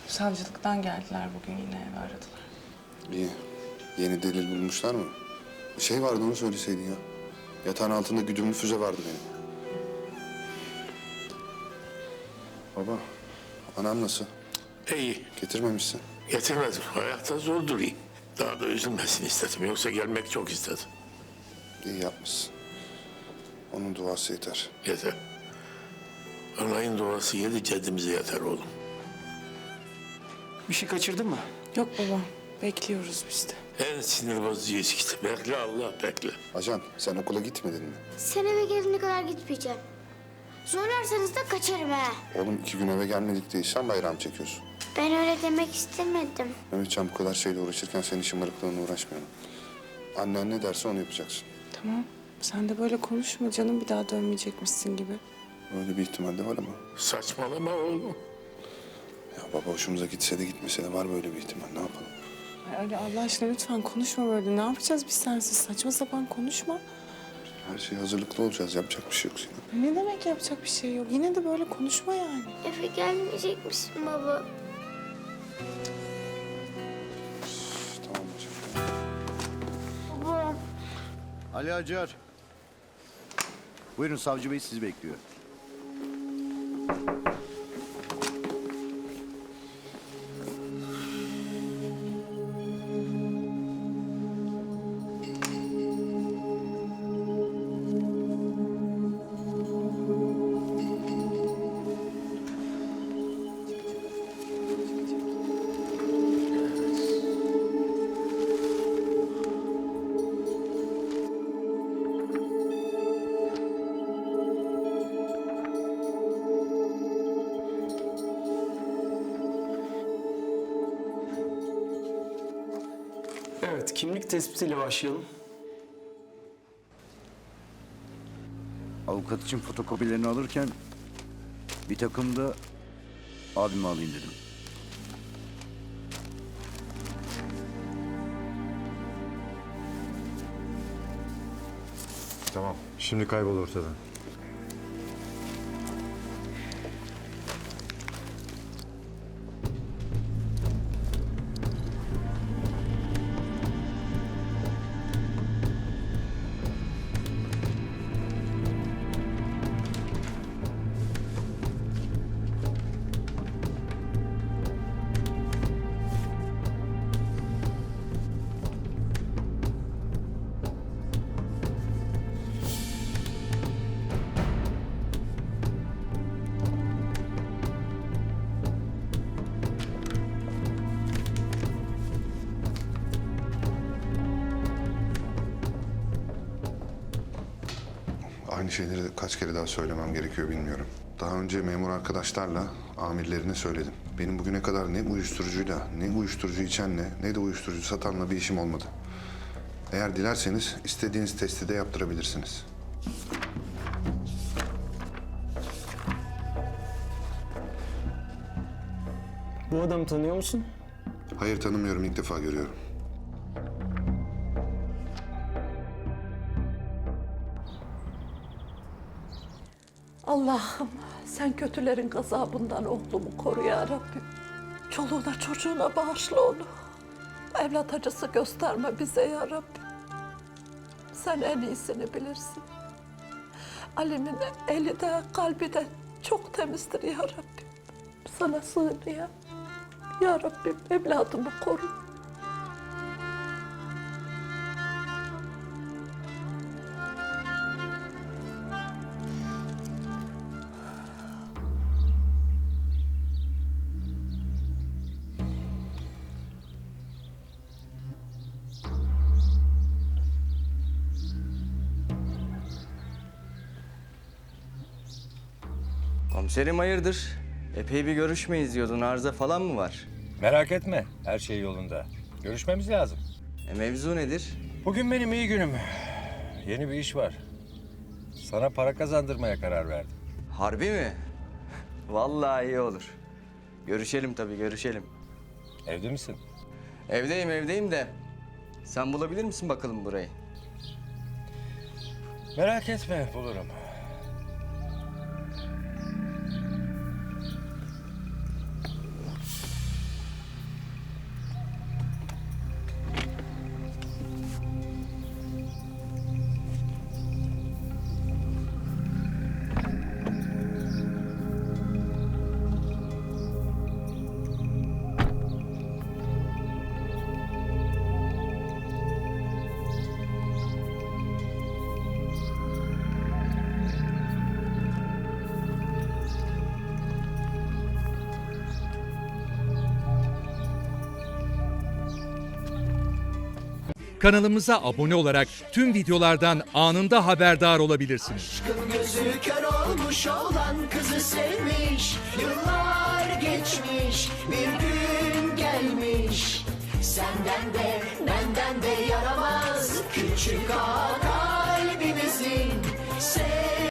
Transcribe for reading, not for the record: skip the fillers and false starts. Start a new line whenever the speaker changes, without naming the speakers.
Savcılıktan geldiler bugün, yine eve aradılar.
İyi. Yeni delil bulmuşlar mı? Bir şey vardı, onu söyleseydin ya. Yatağın altında güdümlü füze vardı benim. Baba, anam nasıl?
İyi,
Getirmemişsin.
getirmedim. Hayatta zor durayım. Daha da üzülmesin istedim. Yoksa gelmek çok istedim.
İyi yapmışsın. Onun duası yeter.
Yeter. Anayın duası yedi ceddimize yeter oğlum.
Bir şey kaçırdın mı?
Yok baba, bekliyoruz biz de.
En sinir bozucu ilişkisi. Bekle Allah, bekle.
Ajan, sen okula gitmedin mi?
Sen eve gelene kadar gitmeyeceğim. Zorlarsanız da kaçarım ha.
Oğlum 2 gün eve gelmedik diye sen bayram çekiyorsun.
Ben öyle demek istemedim.
Mehmetcan, bu kadar şeyle uğraşırken senin şımarıklığına uğraşmayalım. Annen ne derse onu yapacaksın.
Tamam, sen de böyle konuşma canım, bir daha dönmeyecekmişsin gibi.
Öyle bir ihtimal de var ama.
Saçmalama oğlum.
Ya baba, hoşumuza gitse de gitmese de var böyle bir ihtimal. Ne yapalım?
Ay öyle Allah aşkına lütfen konuşma böyle. Ne yapacağız biz sensiz? Saçma sapan konuşma.
Her şeye hazırlıklı olacağız. Yapacak bir şey yok Sinan.
Ne demek yapacak bir şey yok? Yine de böyle konuşma yani.
Eve gelmeyecek misin baba?
Tamam hocam.
Baba.
Ali Acar. Buyurun, savcı bey sizi bekliyor.
Evet, kimlik tespitiyle başlayalım.
Avukat için fotokopilerini alırken bir takım da abime alayım dedim.
Tamam. Şimdi kaybol ortadan.
Aynı şeyleri kaç kere daha söylemem gerekiyor bilmiyorum. Daha önce memur arkadaşlarla amirlerine söyledim. Benim bugüne kadar ne uyuşturucuyla, ne uyuşturucu içenle, ne de uyuşturucu satanla bir işim olmadı. Eğer dilerseniz istediğiniz testi de yaptırabilirsiniz.
Bu adamı tanıyor musun?
Hayır, tanımıyorum, ilk defa görüyorum.
Allah'ım sen kötülerin gazabından oğlumu koru ya Rabbim. Çoluğuna çocuğuna bağışla onu. Evlat acısı gösterme bize ya Rabbim. Sen en iyisini bilirsin. Ali'nin eli de kalbi de çok temizdir ya Rabbim. Sana sığınıyor. Ya Rabbim evladımı koru.
Komiserim hayırdır? Epey bir görüşmeyiz diyordun. Arıza falan mı var?
Merak etme. Her şey yolunda. Görüşmemiz lazım.
Mevzu nedir?
Bugün benim iyi günüm. Yeni bir iş var. Sana para kazandırmaya karar verdim.
Harbi mi? Vallahi iyi olur. Görüşelim tabii, görüşelim.
Evde misin?
Evdeyim de. Sen bulabilir misin bakalım burayı?
Merak etme, bulurum.
Kanalımıza abone olarak tüm videolardan anında haberdar olabilirsiniz.
Gözü kör olmuş olan kızı sevmiş. Yıllar geçmiş, bir gün gelmiş. Senden de benden de yaramaz küçük ağa kalbimizin.